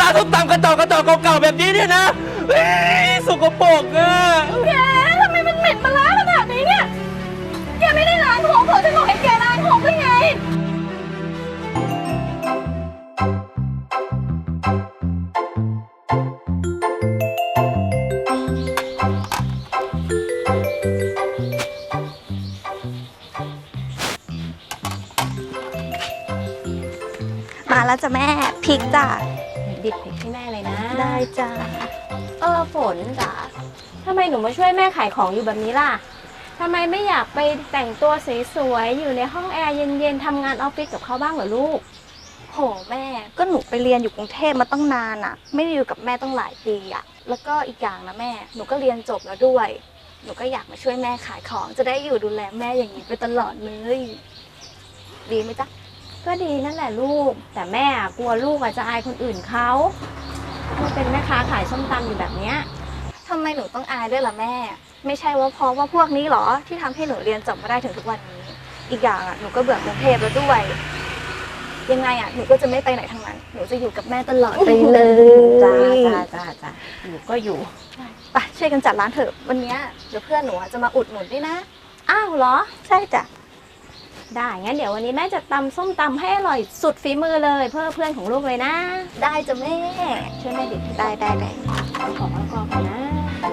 านส้มตำกระจอกเก่าๆแบบนี้เนี่ยนะสกปรกอ่ะแกทำไมมันเหม็นปลาร้าขนาดนี้เนี่ยแกไม่ได้ล้างของเถอะฉันบอกให้แกล้างของได้ไงมาแล้วจ้ะแม่พริกจ้ะดิบพริกให้แม่เลยนะได้จ้ะฝนจ๋าทำไมหนูมาช่วยแม่ขายของอยู่แบบนี้ล่ะทำไมไม่อยากไปแต่งตัวสวยๆอยู่ในห้องแอร์เย็นๆทำงานออฟฟิศกับเขาบ้างเหรอลูกโหแม่ก็หนูไปเรียนอยู่กรุงเทพมาตั้งนานอ่ะไม่ได้อยู่กับแม่ตั้งหลายปีอ่ะแล้วก็อีกอย่างนะแม่หนูก็เรียนจบแล้วด้วยหนูก็อยากมาช่วยแม่ขายของจะได้อยู่ดูแลแม่อย่างนี้ไปตลอดเลยดีไหมจ๊ะก็ดีนั่นแหละลูกแต่แม่กลัวลูกจะอายคนอื่นเขาลูกเป็นแม่ค้าขายส้มตำอยู่แบบเนี้ยทำไมหนูต้องอายด้วยล่ะแม่ไม่ใช่ว่าเพราะว่าพวกนี้หรอที่ทำให้หนูเรียนจบมาได้ถึงทุกวันนี้อีกอย่างอ่ะหนูก็เบื่อกรุงเทพแล้วด้วยยังไงอ่ะหนูก็จะไม่ไปไหนทั้งนั้นหนูจะอยู่กับแม่ตลอดไปเลยจ้าอยู่ก็อยู่ไปช่วยกันจัดร้านเถอะวันนี้เดี๋ยวเพื่อนหนูจะมาอุดหนุนด้วยนะอ้าวเหรอใช่จ้ะได้งั้นเดี๋ยววันนี้แม่จะตำส้มตำให้อร่อยสุดฝีมือเลยเพื่อเพื่อนของลูกเลยนะได้จ้ะแม่ช่วยแม่ดิบได้ของแล้วก็ก่อนนะ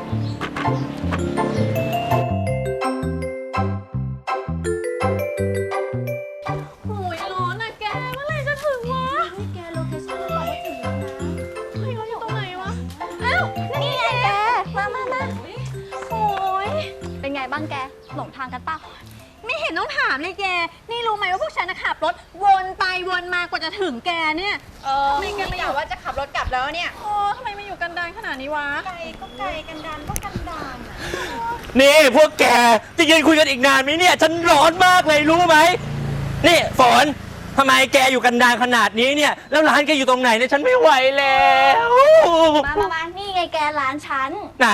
โอ้ยร้อนอะแกเมื่อไหร่จะถึงวะแกโลเคชั่นเราก็ถึงแล้วนะเฮ้ยเราอยู่ตรงไหนวะอ้าวนี่ไงแกมาโอ้ยเป็นไงบ้างแกหลงทางกันป่ะไม่เห็นต้องถามเลยแกนี่รู้ไหมว่าพวกฉันขับรถวนไปวนมากว่าจะถึงแกเนี่ยไม่แกไม่อยากว่าจะขับรถกลับแล้วเนี่ยทำไมมาอยู่กันดารขนาดนี้วะไกลก็ไกลกันดานก็กันดานอ่ะนี่พวกแกจะยืนคุยกันอีกนานไหมเนี่ยฉันร้อนมากเลยรู้ไหมนี่ฝนทำไมแกอยู่กันดารขนาดนี้เนี่ยแล้วร้านแกอยู่ตรงไหนเนี่ยฉันไม่ไหวแล้วมานี่ไงแกร้านฉันไหน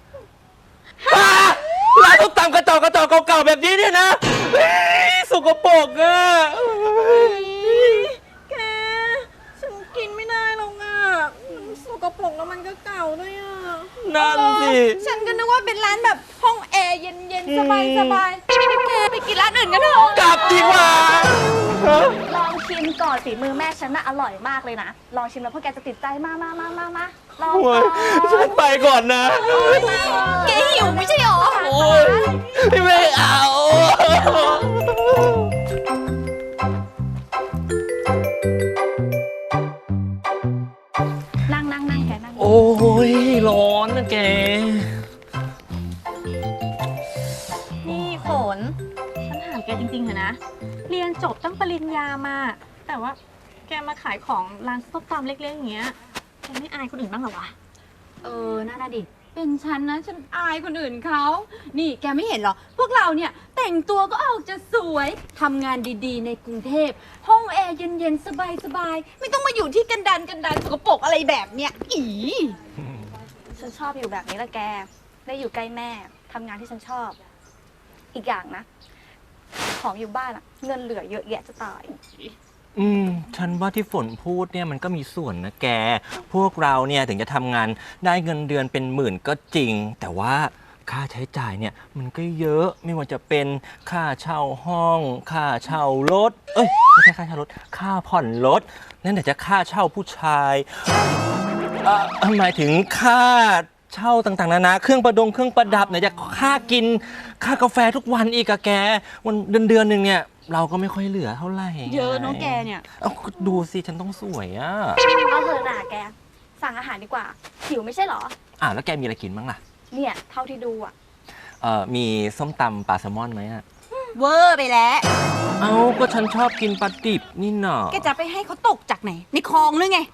ร้านส้มตำกระจอกเก่าๆแบบนี้เนี่ยนะสกปรกอ่ะแกฉันกินไม่ได้หรอกอ่ะสกปรกแล้วมันก็เก่าด้วยอ่ะนั่นสิฉันก็นึกว่าเป็นร้านแบบห้องแอร์เย็นๆสบายแกไปกินร้านอื่นกันเถอะกลับดีกว่าลองชิมก่อนฝีมือแม่ฉันน่ะอร่อยมากเลยนะลองชิมแล้วพวกแกจะติดใจมาลองก่อนฉันไปก่อนนะแกหิวไม่ใช่หรอไม่เอานั่งแกนั่งโอ้ยร้อนนะแกนี่ฝนฉันถามแกจริงๆเถอะนะเรียนจบตั้งปริญญามาแต่ว่าแกมาขายของร้านส้มตำเล็กๆอย่างเงี้ยแกไม่อายคนอื่นบ้างเหรอวะน่าดิเป็นฉันนะฉันอายคนอื่นเขานี่แกไม่เห็นเหรอพวกเราเนี่ยแต่งตัวก็ออกจะสวยทำงานดีๆในกรุงเทพห้องแอร์เย็นๆสบายๆไม่ต้องมาอยู่ที่กันดานสกปรกอะไรแบบเนี้ยฉันชอบอยู่แบบนี้ละแกได้อยู่ใกล้แม่ทำงานที่ฉันชอบอีกอย่างนะของอยู่บ้านอะเงินเหลือเยอะแยะจะตายฉันว่าที่ฝนพูดเนี่ยมันก็มีส่วนนะแกพวกเราเนี่ยถึงจะทำงานได้เงินเดือนเป็นหมื่นก็จริงแต่ว่าค่าใช้จ่ายเนี่ยมันก็เยอะไม่ว่าจะเป็นค่าเช่าห้องค่าเช่ารถไม่ใช่ค่าเช่ารถค่าผ่อนรถนั่นแต่จะค่าเช่าผู้ชายหมายถึงค่าเช่าต่างๆนานาเครื่องประดับไหนจะค่ากินค่ากาแฟทุกวันอีกอะแกวันเดือนหนึ่งเนี่ยเราก็ไม่ค่อยเหลือเท่าไหร่เยอะน้องแกเนี่ยดูสิฉันต้องสวยอ่ะเอาเถอะน่ะแกสั่งอาหารดีกว่าหิวไม่ใช่เหรอแล้วแกมีอะไรกินบ้างล่ะเนี่ยเท่าที่ดูอ่ะมีส้มตำปลาแซลมอนไหมอ่ะเวอร์ไปแล้วก็ฉันชอบกินปลาดิบนี่หน่อแกจะไปให้เขาตกจากไหนในคลองหรือไง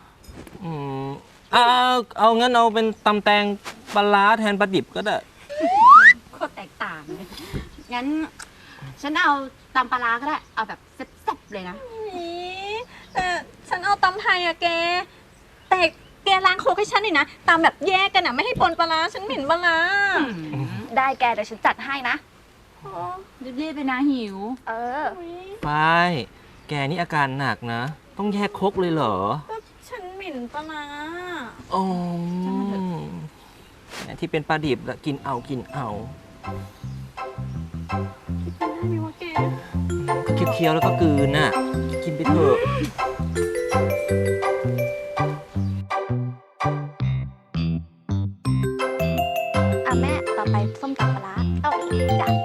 เอางั้นเอาเป็นตำแตงปลาร้าแทนปลาดิบก็ได้โคตรแตกต่างเลยงั้นฉันเอาตำปลาร้าก็ได้เอาแบบแซ่บๆเลยนะแต่ฉันเอาตำไทยอะแกแต่แกล้างโคกให้ฉันหน่อยนะตำแบบแยกกันอะไม่ให้ปนปลาร้าฉันเหม็นปลาร้าได้แกเดี๋ยวฉันจัดให้นะรีบๆไปนะหิวไปแกนี่อาการหนักนะต้องแยกคกเลยเหรอฉันเหม็นลิ่นปลาร้าอ๋อที่เป็นปลาดิบแล้วกินเอากินเอาได้ไหมวะแกก็เคี้ยวๆแล้วก็กลืนน่ะ กินไปเถอะอ่ะแม่ต่อไปส้มตำปลาร้าเอาอีกจ้ะ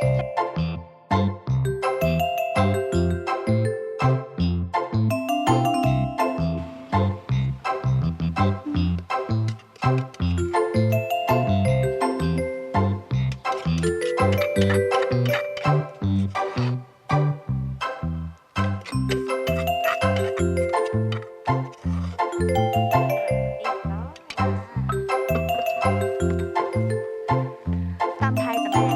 ตำไทยจ้ะแม่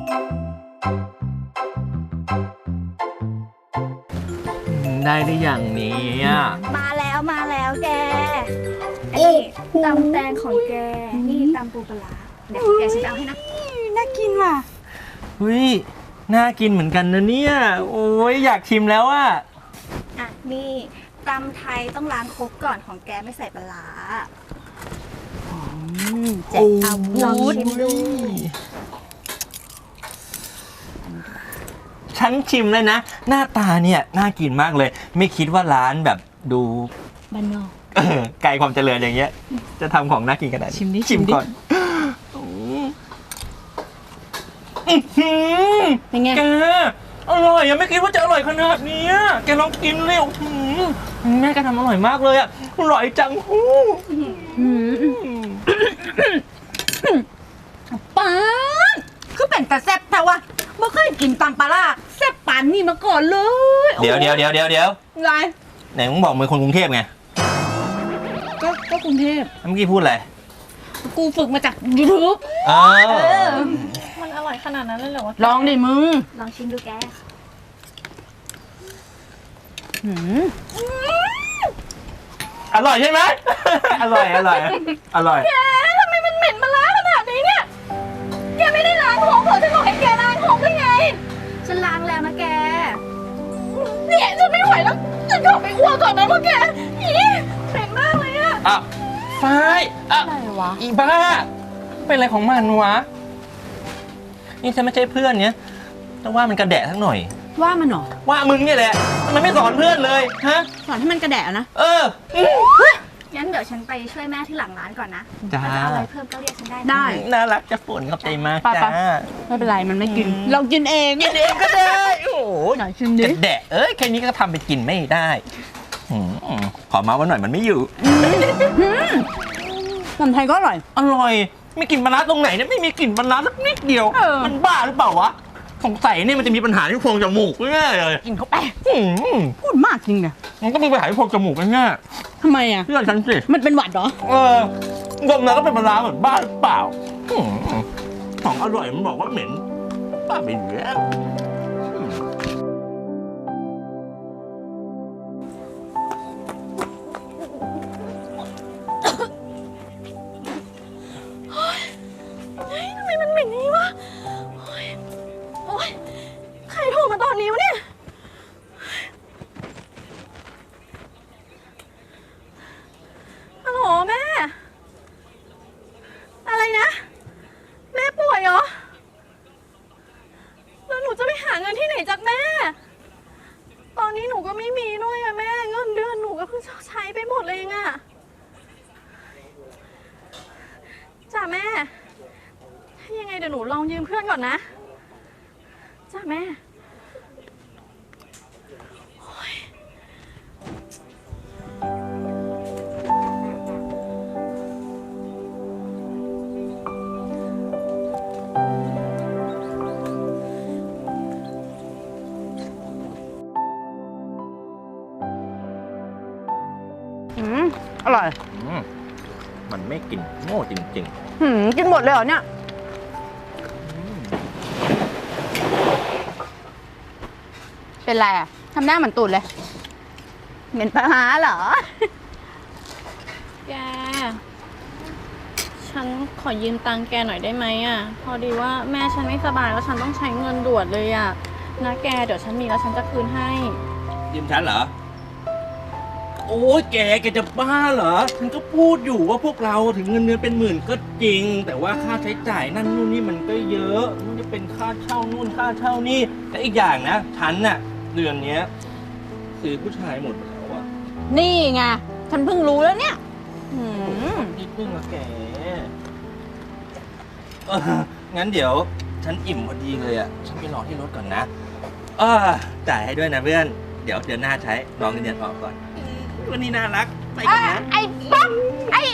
ได้หรือยังเนี้มาแล้วแกอันนี้ตำแตงของแก นี่ตำปูปลาร้าเดี๋ยวแกฉันจะเอาให้นะน่ากินว่ะเฮ้ย น่ากินเหมือนกันนะเนี่ย โอ้ยอยากชิมแล้วอะอ่ะ นี่ตำไทยต้องล้างครกก่อนของแกไม่ใส่ปลาร้าแจกเอาลองชิมดูฉันชิมเลยนะ หน้าตาเนี่ยน่ากินมากเลย ไม่คิดว่าร้านแบบดูบ้านนอกไกลความเจริญอย่างเงี้ย จะทำของน่ากินขนาดนี้ชิมดิชิมชิมดิก่อนอื้อหือเป็นไงแกอร่อยยังไม่คิดว่าจะอร่อยขนาดนี้อะแกลองกินเร็วแม่แกทำอร่อยมากเลยอะอร่อยจังหูป้าดคือเป็นแต่แซ่บแต่ว่าไม่เคยกินตำปลาร้าแซ่บปานนี่มาก่อนเลยเดี๋ยวไงไหนมึงบอกมึงคนกรุงเทพไงก็กรุงเทพเมื่อกี้พูดอะไรกูฝึกมาจาก YouTube อ๋อมันอร่อยขนาดนั้นเลยเหรอวะลองดิมึงลองชิมดูแกหืมอร่อยใช่ไหม อร่อยอร่อยอร่อยทำไมมันเหม็นปลาร้าขนาดนี้เนี่ย แกไม่ได้ล้างของเหรอฉันบอกให้แกล้างของได้ไงฉันล้างแล้วนะแกเนี่ยฉันไม่ไหวแล้วฉันขอไปอ้วกก่อนนะพวกแกอีเหม็นมากเลยอะอ่ะฝ้ายอ่ะอะไรวะอีบ้า เป็นอะไรของมันวะ นี่ฉันไม่ใช่เพื่อนเนี้ยแต่ว่ามันกระแดะทั้งหน่อยว่ามันเหรอว่ามึงเนี่ยแหละทำไมไม่สอนเพื่อนเลย ฮะสอนให้มันกระแดะนะเอองั้นเดี๋ยวฉันไปช่วยแม่ที่หลังร้านก่อนนะจ้าถ้าจะเอาอะไรเพิ่มก็เรียกฉันได้นะได้น่ารักจะฝนขอบใจมากไปจ้าไม่เป็นไรมันไม่กิน เรากินเองกินเองก็ได้ โอ้โหหน่อยชิมดิกระแดะเอ้ยแค่นี้ก็ทำไปกินไม่ได้หืมขอมาว่าหน่อยมันไม่อยู่ตำไทยก็อร่อยอร่อย ไม่กลิ่นปลาร้าตรงไหนเนี่ยไม่มีกลิ่นปลาร้าสักนิดเดียวเออมันบ้าหรือเปล่าวะสงสัยเนี่ยมันจะมีปัญหาที่โพรงจมูกแน่ๆเลยกินเข้าไปหืมพูดมากจริงเนี่ยมันก็มีปัญหาที่โพรงจมูกแน่ทำไมอ่ะๆเชื่อฉันสิมันเป็นหวัดเหรอดมแล้วก็เป็นปลาร้าเหมือนบ้าหรือเปล่าหืมของอร่อยมันบอกว่าเหม็นบ้าไปอยู่แล้วอืมทำไมมันเหม็นอย่างนี้วะ โอ๊ยโอ๊ยใครโทรมาตอนนี้วะเนี่ย ฮัลโหลแม่ อะไรนะ แม่ป่วยเหรอ แล้วหนูจะไปหาเงินที่ไหนจากแม่ ตอนนี้หนูก็ไม่มีด้วยอะแม่ เงินเดือนหนูก็เพิ่งใช้ไปหมดเลยเองอะจ้าแม่ ถ้ายังไงเดี๋ยวหนูลองยืมเพื่อนก่อนนะ จ้าแม่อร่อยอืมมันไม่กินโง่จริงกินหมดเลยเหรอเนี่ย เป็นไรอ่ะ ทำหน้าเหมือนตูดเลย เหม็นปลาร้าเหรอแก ฉันขอยืมตังค์แกหน่อยได้ไหมอ่ะ พอดีว่าแม่ฉันไม่สบายแล้วฉันต้องใช้เงินด่วนเลยอ่ะ นะแก เดี๋ยวฉันมีแล้วฉันจะคืนให้ๆยืมฉันเหรอโอ้ยแกจะบ้าเหรอ ฉันก็พูดอยู่ว่าพวกเราถึงเงินเดือนเป็นหมื่นก็จริง แต่ว่าค่าใช้จ่ายนั่นนู่นนี่มันก็เยอะมันจะเป็นค่าเช่านู่นค่าเช่านี่และอีกอย่างนะฉันน่ะเดือนเนี้ยซื้อผู้ชายหมดแล้วอะนี่ไง ฉันเพิ่งรู้แล้วเนี่ยนิดนึงอะแกงั้นเดี๋ยวฉันอิ่มพอดีเลยอะฉันไปรอที่รถก่อนนะจ่ายให้ด้วยนะเพื่อน เดี๋ยวเดือนหน้าใช้รองเงินเดือนออกก่อนวันนี้น่ารักไปกันนะไอ้ป๊อกไอ้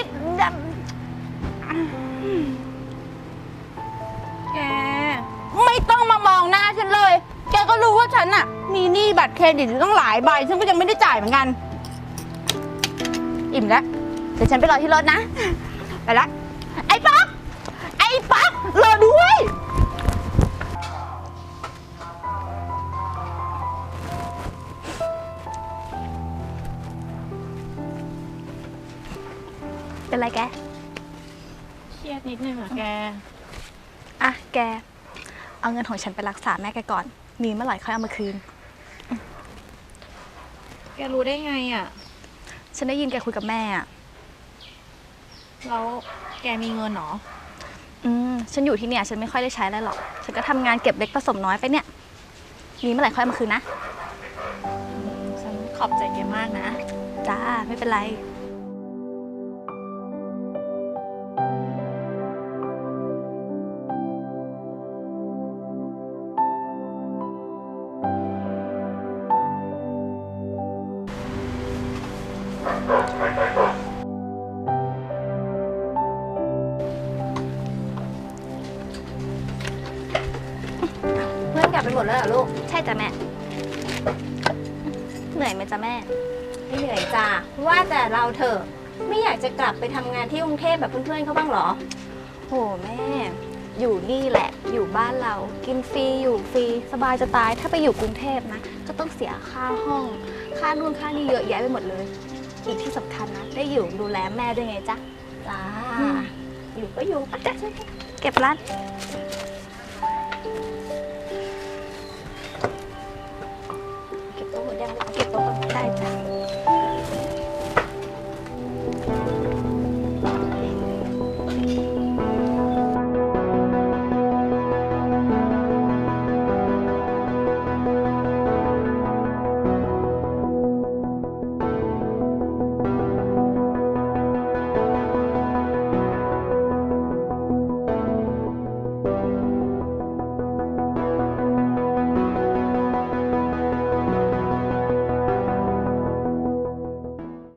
แกไม่ต้องมามองหน้าฉันเลย แกก็รู้ว่าฉันอะมีหนี้บัตรเครดิตอยู่ตั้งหลายใบ ฉันก็ยังไม่ได้จ่ายเหมือนกัน อิ่มแล้ว เดี๋ยวฉันไปรอที่รถนะ ไปละ ไอ้ป๊อกไอ้ป๊อกรอด้วยเป็นไรแกเครียดนิดนึงอะแกอ่ะแก เอาเงินของฉันไปรักษาแม่แกก่อน มีเมื่อไหร่ค่อยเอามาคืนแกรู้ได้ไงอะฉันได้ยินแกคุยกับแม่อ่ะแล้วแกมีเงินเหรอฉันอยู่ที่เนี่ยฉันไม่ค่อยได้ใช้อะไรหรอก ฉันก็ทำงานเก็บเล็กผสมน้อยไปเนี่ย มีเมื่อไหร่ค่อยเอามาคืนนะฉันขอบใจแกมากนะจ้า ไม่เป็นไรเพื่อนกลับไปหมดแล้วเหรอลูกใช่จ้ะแม่ เหนื่อยไหมจ๊ะแม่ไม่เหนื่อยจ้าว่าแต่เราเถอะไม่อยากจะกลับไปทำงานที่กรุงเทพแบบเพื่อนๆเขาบ้างเหรอโหแม่ อยู่นี่แหละ อยู่บ้านเรา กินฟรี อยู่ฟรี สบายจะตาย ถ้าไปอยู่กรุงเทพนะ ก็ต้องเสียค่าห้อง ค่านู่นค่านี่เยอะแยะไปหมดเลย อีกที่สำคัญนะ ได้อยู่ดูแลแม่ด้วยไงจ๊ะจ้าอยู่ก็อยู่ปะจ๊ะเก็บร้านเก็บโต๊ะหมดยังเก็บโต๊ะก่อนได้จ้ะ